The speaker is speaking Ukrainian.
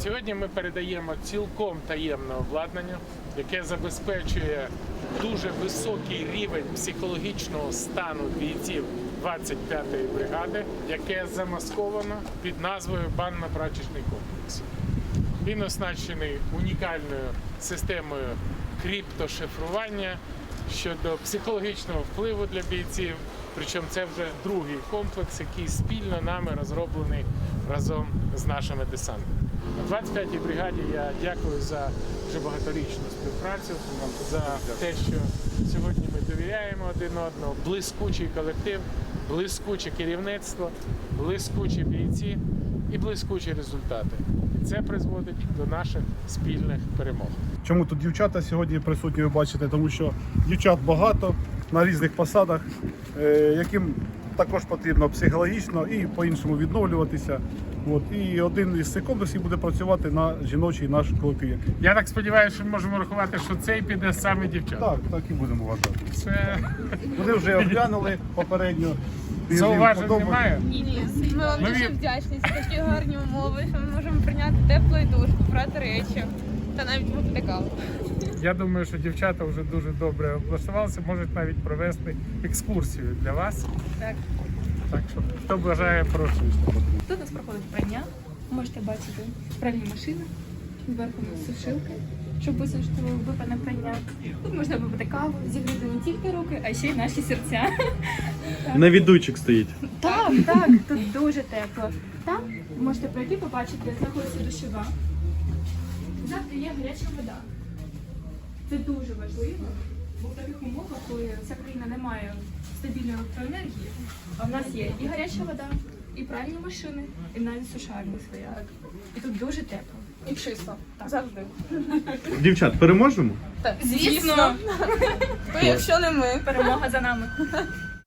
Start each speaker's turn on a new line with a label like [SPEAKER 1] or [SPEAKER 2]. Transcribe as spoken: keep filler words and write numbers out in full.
[SPEAKER 1] Сьогодні ми передаємо цілком таємне обладнання, яке забезпечує дуже високий рівень психологічного стану бійців двадцять п'ятої бригади, яке замасковано під назвою банно-прачечний комплекс. Він оснащений унікальною системою криптошифрування щодо психологічного впливу для бійців. Причому це вже другий комплекс, який спільно нами розроблений разом з нашими десантами. На двадцять п'ятій бригаді я дякую за вже багаторічну співпрацю, за те, що сьогодні ми довіряємо один одному. Блискучий колектив, блискуче керівництво, блискучі бійці і блискучі результати. І це призводить до наших спільних перемог.
[SPEAKER 2] Чому тут дівчата сьогодні присутні, ви бачите, тому що дівчат багато на різних посадах, яким також потрібно психологічно і по-іншому відновлюватися. От. І один із цих комплексів буде працювати на жіночий наш колектив.
[SPEAKER 1] Я так сподіваюся, що ми можемо рахувати, що цей піде саме дівчат.
[SPEAKER 2] Так, так і будемо вважати.
[SPEAKER 1] Це...
[SPEAKER 2] Вони вже оглянули попередньо.
[SPEAKER 1] Зауважень немає?
[SPEAKER 3] Ні, ми вам
[SPEAKER 1] Ми
[SPEAKER 3] дуже
[SPEAKER 1] від-
[SPEAKER 3] вдячні за такі гарні умови, що ми можемо прийняти теплий душ, побрати речі та навіть випити каву.
[SPEAKER 1] Я думаю, що дівчата вже дуже добре облаштувалися, можуть навіть провести екскурсію для вас.
[SPEAKER 3] Так.
[SPEAKER 1] Так що, хто бажає, прошу.
[SPEAKER 4] Тут у нас проходить прання. Можете бачити пральні машини, зверху у нас сушилка, щоб висушити випане прання. Тут можна випити каву, зігріти не тільки руки, а ще й наші серця.
[SPEAKER 5] Навідуйчик стоїть.
[SPEAKER 4] Так, так, тут дуже тепло. Там можете пройти, побачити, знаходиться душова. Завтра є гаряча вода. Це дуже важливо, бо в таких умовах, коли вся країна не має стабільної електроенергії, а в нас є і гаряча вода, і пральні машини, і навіть сушарні своя. І тут дуже тепло.
[SPEAKER 3] І чисто. Завжди.
[SPEAKER 5] Дівчат, переможемо?
[SPEAKER 3] Так, звісно. Бо якщо не ми.
[SPEAKER 4] Перемога за нами.